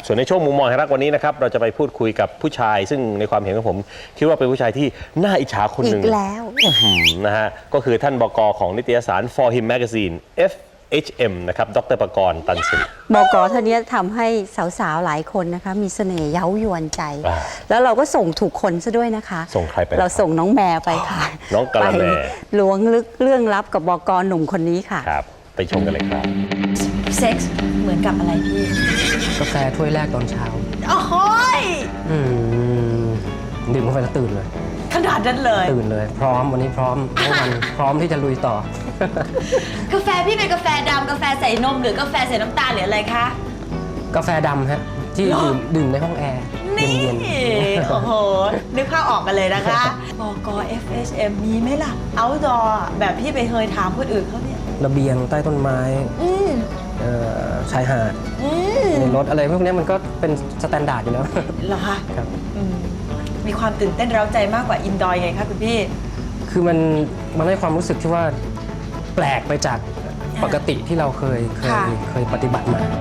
ส่วนในช่วงมุมมองแห่งรักวันนี้นะครับเราจะไปพูดคุยกับผู้ชายซึ่งในความเห็นของผมคิดว่าเป็นผู้ชายที่น่าอิจฉาคนหนึ่งอีกแล้วนะฮะก็คือท่านบก.ของนิตยสาร For Him Magazine FHM นะครับดร.ปกรณ์ ตันสิริบก.ท่านนี้ทำให้สาวๆหลายคนนะคะมีเสน่ห์เย้ายวนใจ แล้วเราก็ส่งถูกคนซะด้วยนะคะส่งใครไปเราส่งน้องแมวไปค่ะน้องกะละแมล้วงลึกเรื่องลับกับบก.หนุ่มคนนี้ค่ะครับไปชมกันเลยครับเซ็กส์เหมือนกับอะไรพี่กาแฟถ้วยแรกตอนเช้าโอ้โหดื่มกาแฟแล้วตื่นเลยขนาดนั้นเลยตื่นเลยพร้อมวันนี้พร้อมทั้งวันพร้อมที่จะลุยต่อกาแฟพี่เป็นกาแฟดำกาแฟใส่นมหรือกาแฟใส่น้ำตาลหรืออะไรคะกาแฟดำฮะที่ดื่มในห้องแอร์เย็นๆโอ้โหนึกภาพออกกันเลยนะคะบก. FHM มีไหมล่ะ outdoor แบบพี่ไปเคยถามคนอื่นเขาเนี่ยระเบียงใต้ต้นไม้ชายหาดรถอะไรพวกนี้มันก็เป็นสแตนดาร์ดอยู่แล้วเหรอคะครับมีความตื่นเต้นเร้าใจมากกว่าอินดอร์ไงคะคุณพี่คือมันให้ความรู้สึกที่ว่าแปลกไปจากปกติที่เราเคยปฏิบัติมา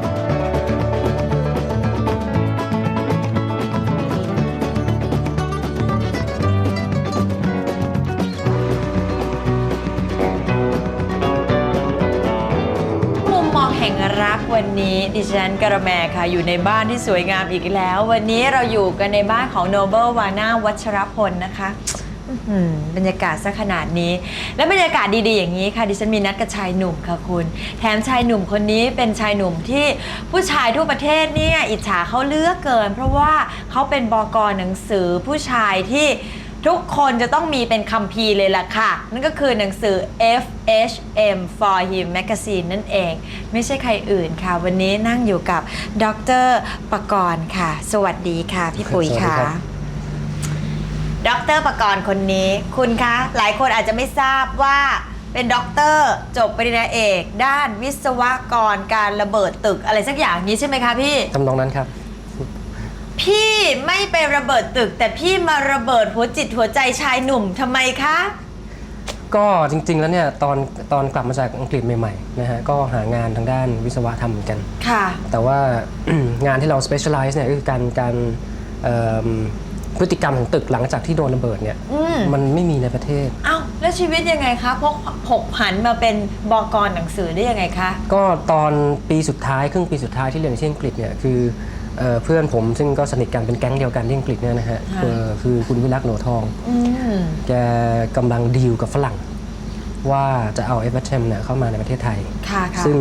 แห่งรักวันนี้ดิฉันกระแมค่ะอยู่ในบ้านที่สวยงามอีกแล้ววันนี้เราอยู่กันในบ้านของโนเบิลวาน่าวัชรพลนะคะบรรยากาศซะขนาดนี้และบรรยากาศดีๆอย่างนี้ค่ะดิฉันมีนัดกับชายหนุ่มค่ะคุณแถมชายหนุ่มคนนี้เป็นชายหนุ่มที่ผู้ชายทั่วประเทศเนี่ยอิจฉาเขาเหลือเกินเพราะว่าเขาเป็นบก.หนังสือผู้ชายที่ทุกคนจะต้องมีเป็นคัมภีร์เลยล่ะค่ะนั่นก็คือหนังสือ FHM For Him Magazine นั่นเองไม่ใช่ใครอื่นค่ะวันนี้นั่งอยู่กับดร.ปกรณ์ค่ะสวัสดีค่ะพี่ปุ๋ยค่ะดร.ปกรณ์คนนี้คุณคะหลายคนอาจจะไม่ทราบว่าเป็นด็อกเตอร์จบปริญญาเอกด้านวิศวกรการระเบิดตึกอะไรสักอย่างนี้ใช่ไหมคะพี่ทำนองนั้นครับพี่ไม่ไประเบิดตึกแต่พี่มาระเบิดหัวจิตหัวใจชายหนุ่มทำไมคะก็จริงๆแล้วเนี่ยตอนกลับมาจากอังกฤษใหม่ๆนะฮะก็หางานทางด้านวิศวะทำเหมือนกันค่ะแต่ว่า งานที่เรา specialize เนี่ยคือการพฤติกรรมของตึกหลังจากที่โดนระเบิดเนี่ยมันไม่มีในประเทศอ้าวแล้วชีวิตยังไงคะพกผกผันมาเป็นบก.หนังสือได้ยังไงคะก็ตอนปีสุดท้ายครึ่งปีสุดท้ายที่เรียนที่อังกฤษเนี่ยคือเพื่อนผมซึ่งก็สนิทกันเป็นแก๊งเดียวกันที่อังกฤษเนี่ยนะฮะคือคุณวิรักษ์โหนทองแกกำลังดีลกับฝรั่งว่าจะเอา FHM เนี่ยเข้ามาในประเทศไทยซึ่ง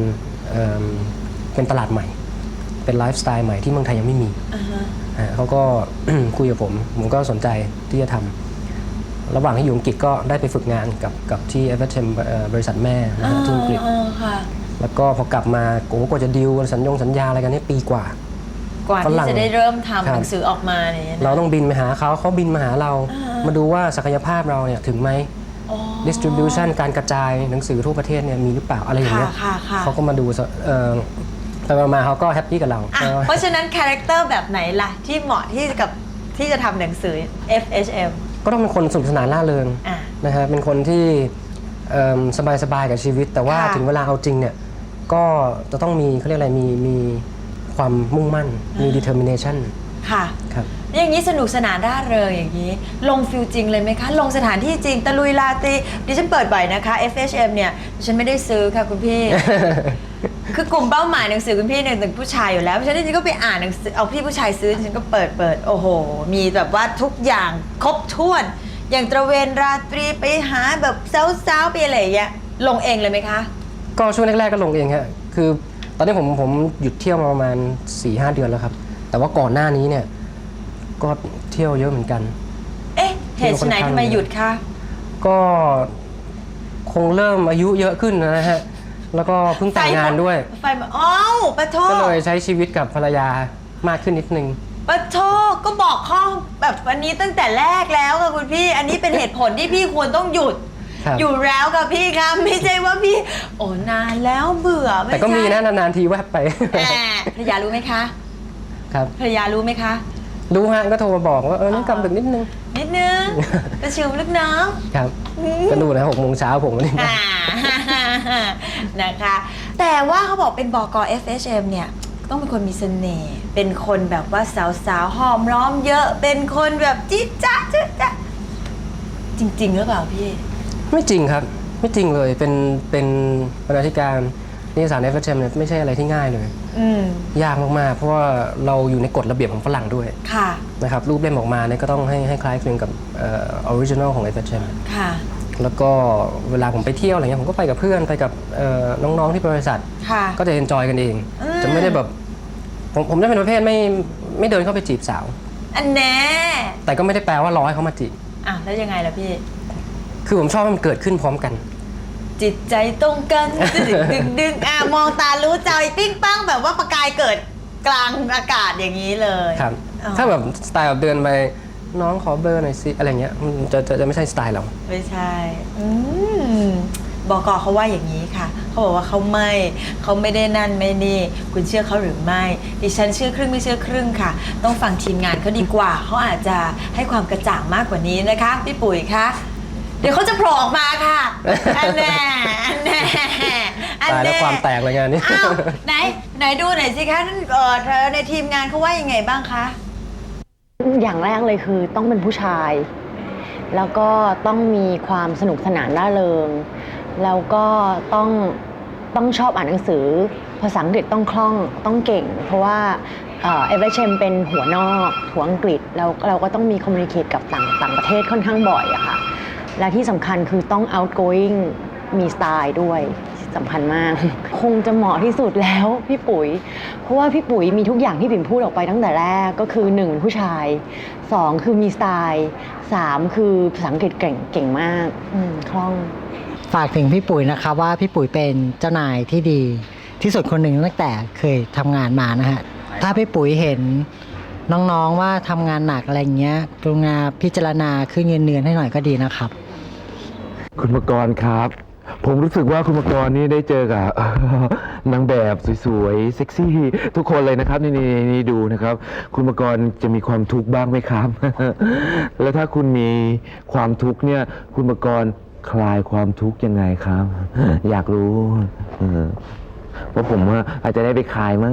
เป็นตลาดใหม่เป็นไลฟ์สไตล์ใหม่ที่เมืองไทยยังไม่มีเขาก็ คุยกับผมก็สนใจที่จะทำระหว่างที่อยู่อังกฤษก็ได้ไปฝึกงานกับที่ FHM บริษัทแม่นะฮะที่อังกฤษแล้วก็พอกลับมาโอ้ก็จะดีลสัญญาอะไรกันนี่ปีกว่าที่จะได้เริ่มทำหนังสือออกมาเนี่ยเราต้องบินไปหาเขาบินมาหาเรามาดูว่าศักยภาพเราเนี่ยถึงไหม distribution การกระจายหนังสือทั่วประเทศเนี่ยมีหรือเปล่าอะไรอย่างเงี้ยเขาก็มาดูไปมาเขาก็แฮปปี้กับเราเพราะฉะนั้นคาแรคเตอร์แบบไหนล่ะที่เหมาะที่จะทำหนังสือ FHM ก็ต้องเป็นคนสนุกสนานร่าเริงนะฮะเป็นคนที่สบายกับชีวิตแต่ว่าถึงเวลาเอาจริงเนี่ยก็จะต้องมีเขาเรียกอะไรมีความมุ่งมั่นมี determination ค่ะครับอย่างนี้สนุกสนานร่าเริงอย่างนี้ลงฟิลจริงเลยไหมคะลงสถานที่จริงตะลุยลาตีดิฉันเปิดบ่อยนะคะ FHM เนี่ยดิฉันไม่ได้ซื้อค่ะคุณพี่ คือกลุ่มเป้าหมายหนังสือคุณพี่เนี่ยเป็นผู้ชายอยู่แล้วเพราะฉะนั้นดิฉันก็ไปอ่านหนังสือเอาพี่ผู้ชายซื้อดิฉันก็เปิดโอ้โหมีแบบว่าทุกอย่างครบถ้วนอย่างตระเวนราตรีไปหาแบบสาวๆไปอะไรอย่างเงี้ยลงเองเลยไหมคะก็ช่วงแรกๆก็ลงเองฮะคือตอนนี้ผมหยุดเที่ยวมาประมาณ 4-5 เดือนแล้วครับแต่ว่าก่อนหน้านี้เนี่ยก็เที่ยวเยอะเหมือนกันเหตุไหนทำไมหยุดคะก็คงเริ่มอายุเยอะขึ้นนะฮะแล้วก็เพิ่งแต่งงานด้วยปะโทก็เลยใช้ชีวิตกับภรรยามากขึ้นนิดนึงปะโทก็บอกข้อแบบวันนี้ตั้งแต่แรกแล้วค่ะคุณพี่อันนี้เป็นเหตุผลที่พี่ควรต้องหยุดอยู่แล้วกับพี่ครับไม่ใช่ว่าพี่โอ้นานแล้วเบื่อแต่ก็มีนะนานๆทีแวบไปภรรยารู้ไหมคะครับภรรยารู้ไหมคะรู้ฮะก็โทรมาบอกว่านี่กลับดึกนิดนึงกระชิวลึกน้องครับก็ดูนะ6 โมงเช้าผมวันนี้นะคะแต่ว่าเขาบอกเป็นบก. FHM เนี่ยต้องเป็นคนมีเสน่ห์เป็นคนแบบว่าสาวๆหอมล้อมเยอะเป็นคนแบบจิ๊ดจ๊ะจิ๊ดจ๊ะจริงๆหรือเปล่าพี่ไม่จริงครับไม่จริงเลยเป็นบรรณาธิการนิตยสาร FHM เนี่ยไม่ใช่อะไรที่ง่ายเลยยากมากๆเพราะว่าเราอยู่ในกฎระเบียบของฝรั่งด้วยค่ะนะครับรูปเล่มออกมาเนี่ยก็ต้องให้คล้ายคลึงกับออริจินอลของ FHM ค่ะแล้วก็เวลาผมไปเที่ยวอะไรเงี้ยผมก็ไปกับเพื่อนไปกับน้องๆที่บริษัทค่ะก็จะเอนจอยกันเอง จะไม่ได้แบบผมจะเป็นประเภทไม่เดินเข้าไปจีบสาวอันแน่แต่ก็ไม่ได้แปลว่ารอให้เขามาจีบอ่ะแล้วยังไงล่ะพี่คือผมชอบให้มันเกิดขึ้นพร้อมกันจิตใจตรงกันดึงมองตารู้ใจปิ้งปังแบบว่าประกายเกิดกลางอากาศอย่างนี้เลยครับอ๋อถ้าแบบสไตล์แบบเดินไปน้องขอเบอร์หน่อยสิอะไรเงี้ยมันจะไม่ใช่สไตล์เราไม่ใช่บก.เขาว่าอย่างนี้ค่ะเขาบอกว่าเขาไม่ได้นั่นไม่นี่คุณเชื่อเขาหรือไม่ดิฉันเชื่อครึ่งไม่เชื่อครึ่งค่ะ ต้องฟังทีมงานเขาดีกว่าเขาอาจจะให้ความกระจ่างมากกว่านี้นะคะพี่ปุ๋ยคะเดี๋ยวเขาจะโผล่ออกมาค่ะอันแน่อันแน่อันตายแล้วแน่ความแตกเลยงานนี้อ้าวไหนดูหน่อยสิคะเธอในทีมงานเขาว่ายังไงบ้างคะอย่างแรกเลยคือต้องเป็นผู้ชาย แล้วก็ต้องมีความสนุกสนานร่าเริง แล้วก็ต้องชอบอ่านหนังสือภาษาอังกฤษต้องคล่องต้องเก่ง เพราะว่าFHM เป็นหัวนอกหัวอังกฤษแล้วเราก็ต้องมีคอมมูนิเคตกับต่างประเทศค่อนข้างบ่อยอะค่ะและที่สำคัญคือต้อง outgoing มีสไตล์ด้วยสำคัญมาก คงจะเหมาะที่สุดแล้วพี่ปุ๋ย เพราะว่าพี่ปุ๋ยมีทุกอย่างที่ปิ่มพูดออกไปตั้งแต่แรกก็คือ1ผู้ชาย2คือมีสไตล์3คือภาษาอังกฤษเก่งมากคล่องฝากถึงพี่ปุ๋ยนะครับว่าพี่ปุ๋ยเป็นเจ้านายที่ดีที่สุดคนหนึ่งตั้งแต่เคยทำงานมานะฮะถ้าพี่ปุ๋ยเห็นน้องๆว่าทำงานหนักอะไรเงี้ยกรุณาพิจารณาขึ้นเงินเดือนให้หน่อยก็ดีนะครับคุณมกรครับ ผมรู้สึกว่าคุณมกรนี่ได้เจอกับ นางแบบสวยๆเซ็กซี่ทุกคนเลยนะครับนี่ดูนะครับ คุณมกรจะมีความทุกข์บ้างไหมครับ แล้วถ้าคุณมีความทุกข์เนี่ยคุณมกรคลายความทุกข์ยังไงครับ อยากรู้เพราะผมว่าอาจจะได้ไปคลายมั่ง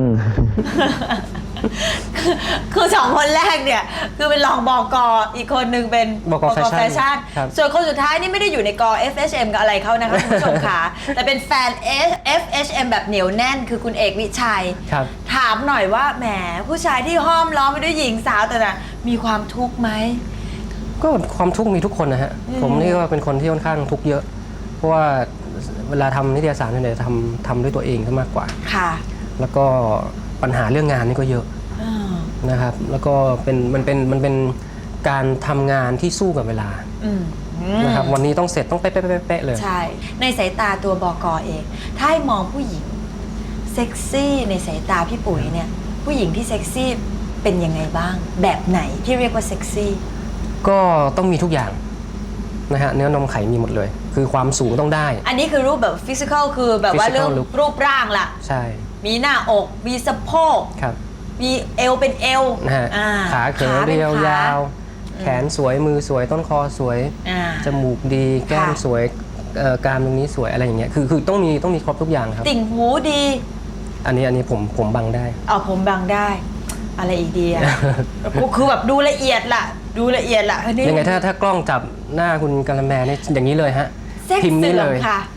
คือสองคนแรกเนี่ยคือเป็นรองบก.อีกคนหนึ่งเป็นบก.แฟชั่นครับส่วนคนสุดท้ายนี่ไม่ได้อยู่ในก FHM กับอะไรเขานะคะคุณผู้ชมค่ะ แต่เป็นแฟน FHM แบบเหนียวแน่นคือคุณเอกวิชัยครับถามหน่อยว่าแหมผู้ชายที่ห้อมล้อมไปด้วยหญิงสาวแต่น่ะมีความทุกข์ไหมก็ความทุกข์มีทุกคนนะฮะผมนี่ก็เป็นคนที่ค่อนข้างทุกข์เยอะ เพราะว่าเวลาทำนิตยสารเนี่ยทำด้วยตัวเองซะมากกว่าค่ะแล้วก็ปัญหาเรื่องงานนี่ก็เยอะนะครับ แล้วก็มันเป็นการทำงานที่สู้กับเวลานะครับวันนี้ต้องเสร็จต้องเป๊ะๆเลยใช่ ในสายตาตัวบก.เอง ถ้าให้มองผู้หญิงเซ็กซี่ในสายตาพี่ปุ๋ยเนี่ยผู้หญิงที่เซ็กซี่เป็นยังไงบ้าง แบบไหนที่เรียกว่าเซ็กซี่ก็ต้องมีทุกอย่างนะฮะเนื้อนมไขมีหมดเลย คือความสูงต้องได้อันนี้คือรูปแบบฟิสิกอลคือแบบว่า Physical เรื่อง look รูปร่างล่ะใช่มีหน้าอก มีสะโพกครับมีเอวเป็นเอวนะฮะอ่าขาเขินป็นเรียวขยาว แขนสวยมือสวยต้นคอสวยอ่าจมูกดีแก้มค่ะสวยกรามตรงนี้สวยอะไรอย่างเงี้ยคือต้องมีครบทุกอย่างครับติ่งหูดีอันนี้ผมบังได้เอาผมบังได้ อะไรอีกดี อ่ะ คือแบบดูละเอียดล่ะ ดูละเอียดล่ะอันนี้ยังไงถ้ากล้องจับหน้าคุณกะละแมเนี่ยอย่างนี้เลยฮะเซ็กพิมพ์เสื่นี้อเลมยค่ะ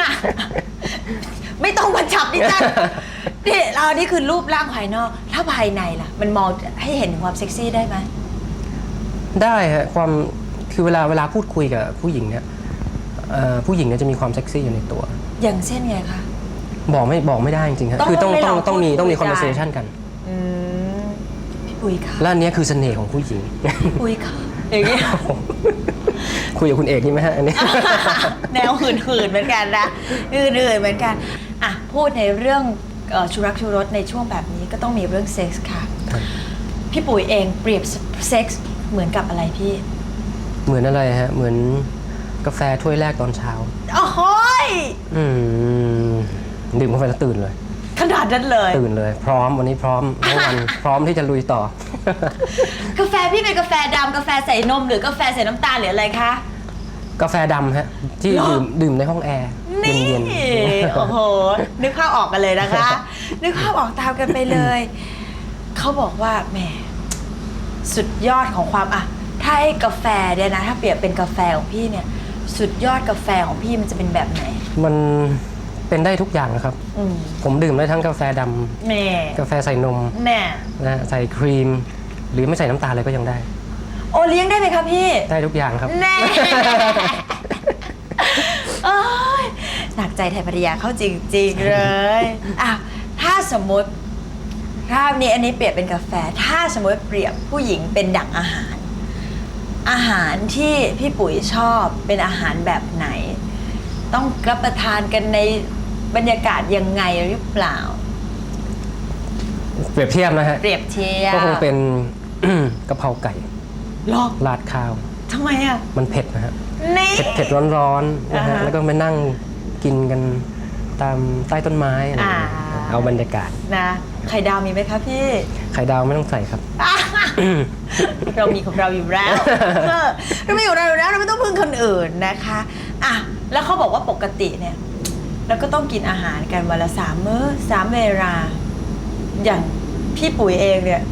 ไม่ต้องมาจับดิฉันนี่เรานี่คือรูปร่างภายนอก ถ้าภายในล่ะ มันมองให้เห็นถึงความเซ็กซี่ได้ไหมได้ฮะความคือเวลาพูดคุยกับผู้หญิงเนี่ยผู้หญิงเนี่ยจะมีความเซ็กซี่อยู่ในตัวอย่างเช่นไงคะบอกไม่ได้จริงๆครับต้องคือต้องให้ลองต้องมีพูดคุย conversation กันพี่ปุ้ยค่ะและอันเนี้ยคือเสน่ห์ของผู้หญิงปุ้ยค่ะอย่างเงี้ยคุยกับคุณเอกนี่ไหมฮะอันนี้แนวหื่นๆเหมือนกันนะหื่นๆเหมือนกันอ่ะพูดในเรื่องชูรักชูรสในช่วงแบบนี้ก็ต้องมีเรื่องเซ็กส์ค่ะ พี่ปุ๋ยเองเปรียบเซ็กส์เหมือนกับอะไรพี่เหมือนอะไรฮะเหมือนกาแฟถ้วยแรกตอนเช้าโอ้โหยดื่มกาแฟแล้วตื่นเลยขนาดนั้นเลยตื่นเลย พร้อมวันนี้พร้อมทั้งวัน พร้อมที่จะลุยต่อกาแฟพี่เป็นกาแฟดำกาแฟใส่นมหรือกาแฟใส่น้ำตาลหรืออะไรคะกาแฟดำฮะที่ดื่มในห้องแอร์นี่เย็นโอ้โหนึกภาพออกกันเลยนะคะนึกภาพออกตามกันไปเลย เขาบอกว่าแหมสุดยอดของความอะถ้าให้กาแฟเนี่ยนะถ้าเปรียบเป็นกาแฟของพี่เนี่ย สุดยอดกาแฟของพี่มันจะเป็นแบบไหนมันเป็นได้ทุกอย่างนะครับอืมผมดื่มได้ทั้งกาแฟดแม่ำกาแฟใส่นมแม่นะฮะใส่ครีม หรือไม่ใส่น้ำตาลเลยก็ยังได้โอเลี้ยงได้ไหมครับพี่ได้ทุกอย่างครับแน่ โอ้ยหนักใจไทยภรรยาเข้าจริง ๆ เลยอ่ะถ้าสมมติภาพนี้อันนี้เปรียบเป็นกาแฟ ถ้าสมมติเปรียบผู้หญิงเป็นดั่งอาหาร อาหารที่พี่ปุ๋ยชอบเป็นอาหารแบบไหน ต้องรับประทานกันในบรรยากาศยังไงหรือเปล่าเปรียบเทียบนะฮะเปรียบเทียบก็คงเป็น กะเพราไก่หรอราดข้าวทำไมอ่ะมันเผ็ดนะฮะนี่เผ็ดร้อนๆนะฮะอ่าฮะแล้วก็มานั่งกินกันตามใต้ต้นไม้อะไรอย่างเงี้ยอ่าเอาบรรยากาศนะไข่ดาวมีไหมคะพี่ไข่ดาวไม่ต้องใส่ครับเรามีของเราอยู่แล้วเรามีของเราอยู่แล้วเราไม่ต้องพึ่งคนอื่นนะคะอ่ะแล้วเขาบอกว่าปกติเนี่ยเราก็ต้องกินอาหารกันวันละ3 มื้อ 3 เวลา อย่างพี่ปุ๋ยเองเนี่ย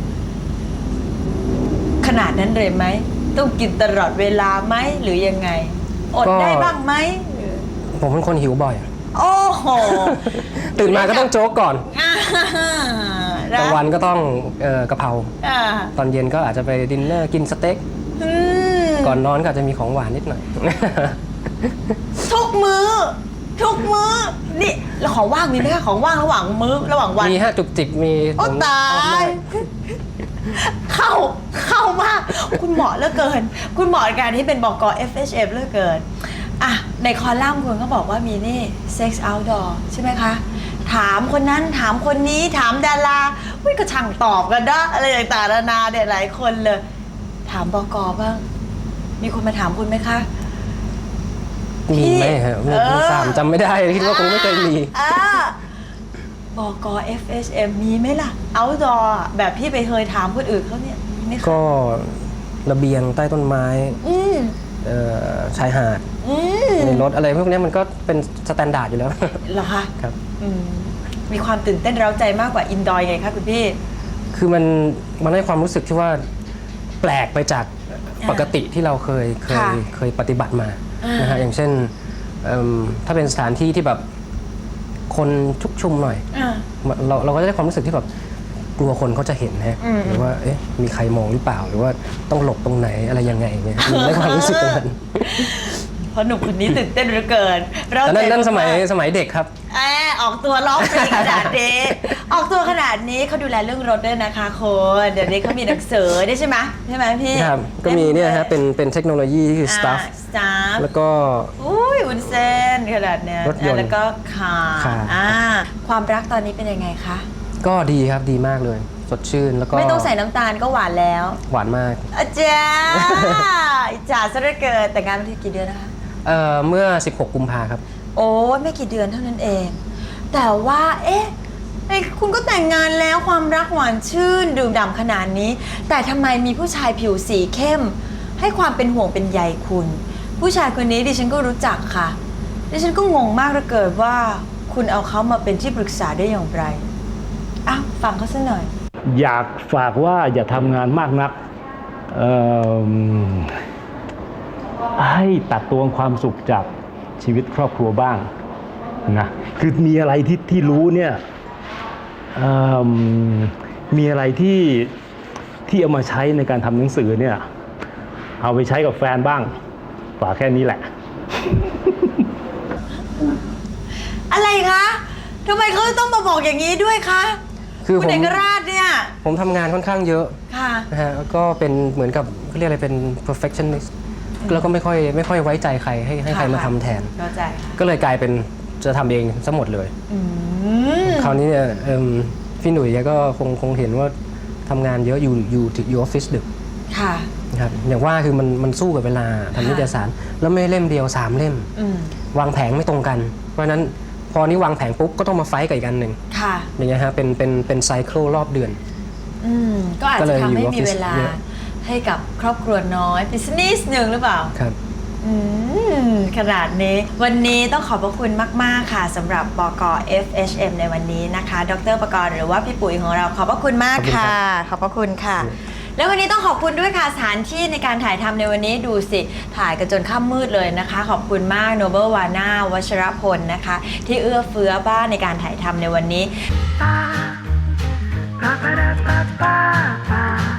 ขนาดนั้นเลยไหมต้องกินตลอดเวลาไหมหรือยังไงอดก็ได้บ้างไหมผมเป็นคนหิวบ่อยโอ้โหตื่นมาก็ต้องโจ๊กก่อนอ่ากลางวันก็ต้องกะเพราอ่าตอนเย็นก็อาจจะไปดินเนอร์กินสเต็กอืมก่อนนอนก็อาจจะมีของหวานนิดหน่อยทุกมือทุกมือนี่แล้วของว่างมีไหมคะของว่างระหว่างมื้อระหว่างวันมีฮะจุกจิกมีโอ้ผมตาชอบมาย กเข้ามาก คุณเหมาะเหลือเกิน คุณเหมาะกับการที่เป็นบก. FHM เหลือเกินอ่ะในคอลัมน์คุณก็บอกว่ามีนี่ Sex Outdoor ใช่ไหมคะ ถามคนนั้นถามคนนี้ถามดาราอุ้ยก็ช่างตอบกันนะอะไรต่างๆนานาเนี่ยหลายคนเลย ถามบก.บ้าง มีคนมาถามคุณไหมคะมีไหมฮะไม่ทราบจำไม่ได้คิดว่าคงไม่เคยมีบก. FHM มีไหมล่ะ Outdoor แบบพี่ไปเคยถามคนอื่นเขาเนี่ยมีไหมคะก็ระเบียงใต้ต้นไม้อืมชายหาดอืมในรถอะไรพวกนี้มันก็เป็นสแตนดาร์ดอยู่แล้วเหรอคะครับอืมมีความตื่นเต้นเร้าใจมากกว่าอินดอร์ไงคะคุณพี่คือมันให้ความรู้สึกที่ว่าแปลกไปจากปกติที่เราเคยปฏิบัติมานะฮะอย่างเช่นถ้าเป็นสถานที่ที่แบบคนชุกชุมหน่อย เราก็จะได้ความรู้สึกที่แบบกลัวคนเขาจะเห็นฮะหรือว่าเอ๊ะมีใครมองหรือเปล่าหรือว่าต้องหลบตรงไหนอะไรยังไงเนี่ยมันได้ความรู้สึกตรงนั้นเพราะหนุ่มคนนี้ตื่นเต้นเหลือเกินเราแต่นั่นสมัยเด็กครับออกตัวร้องเพลงขนาดนี้ออกตัวขนาดนี้เขาดูแลเรื่องรถด้วยนะคะคนเดี๋ยวนี้เขามีหนังสือได้ใช่ไหมพี่ครับก็มีเนี่ยฮะเป็นเทคโนโลยีที่คือ stuff แล้วก็อุ้ยวุ้นเส้นขนาดเนี้ยรถยนต์แล้วก็คาคาร์ความรักตอนนี้เป็นยังไงคะก็ดีครับดีมากเลย สดชื่นแล้วก็ไม่ต้องใส่น้ำตาลก็หวานแล้วหวานมากอาจารย์อิจฉาซะเหลือเกินแต่งงานมาที่กี่เดือนนะคะเมื่อ 16 กุมภาครับโอ้ไม่กี่เดือนเท่านั้นเอง แต่ว่าเอ๊ะคุณก็แต่งงานแล้วความรักหวานชื่นดื่มด่ำขนาดนี้ แต่ทำไมมีผู้ชายผิวสีเข้ม ให้ความเป็นห่วงเป็นใยคุณ ผู้ชายคนนี้ดิฉันก็รู้จักค่ะดิฉันก็งงมากเหลือเกินว่าคุณเอาเขามาเป็นที่ปรึกษาได้อย่างไรอ้าวฟังเขาซะหน่อยอยากฝากว่าอย่าทำงานมากนักให้ตัดตวงความสุขจากชีวิตครอบครัวบ้างนะคือมีอะไรที่รู้เนี่ยมีอะไรที่เอามาใช้ในการทำหนังสือเนี่ยเอาไปใช้กับแฟนบ้างฝากแค่นี้แหละอะไรคะทำไมเขาต้องมาบอกอย่างนี้ด้วยคะคือคุณเอกราชเนี่ยผมทำงานค่อนข้างเยอะค่ะนะฮะแล้วก็เป็นเหมือนกับเขาเรียกอะไรเป็น perfectionist แล้วก็ไม่ค่อยไว้ใจใครให้ใครมาทำแทนเข้าใจค่ะก็เลยกลายเป็นจะทำเองซะหมดเลยอืมคราวนี้เนี่ยพี่หนุ่ยแกก็คงเห็นว่าทำงานเยอะอยู่ออฟฟิศดึกค่ะนะครับอย่างว่าคือมันสู้กับเวลาทำนิตยสาร แล้วไม่เล่มเดียว3 เล่มอืมวางแผงไม่ตรงกัน เพราะฉะนั้นพอนี้วางแผงปุ๊บก็ต้องมาไฟท์กับอีกอันหนึ่งค่ะอย่างเงี้ยฮะเป็นไซเคิลรอบเดือนก็อาจก็เลจะยทำให้อยู่มีเวลาออฟฟิศเยอะให้กับครอบครัวน้อยบิสเนสหนึ่งหรือเปล่าครับขนาดนี้วันนี้ต้องขอบพระคุณมากๆค่ะสำหรับบก. FHM ในวันนี้นะคะดร.ปกรณ์หรือว่าพี่ปุ๋ยของเราขอบพระคุณมากค่ะขอบพระคุณค่ะ แล้ววันนี้ต้องขอบคุณด้วยค่ะสถานที่ในการถ่ายทำในวันนี้ดูสิถ่ายกันจนค่ำมืดเลยนะคะ ขอบคุณมากโนเบิลวาน่าวัชรพลนะคะที่เอื้อเฟื้อบ้านในการถ่ายทำในวันนี้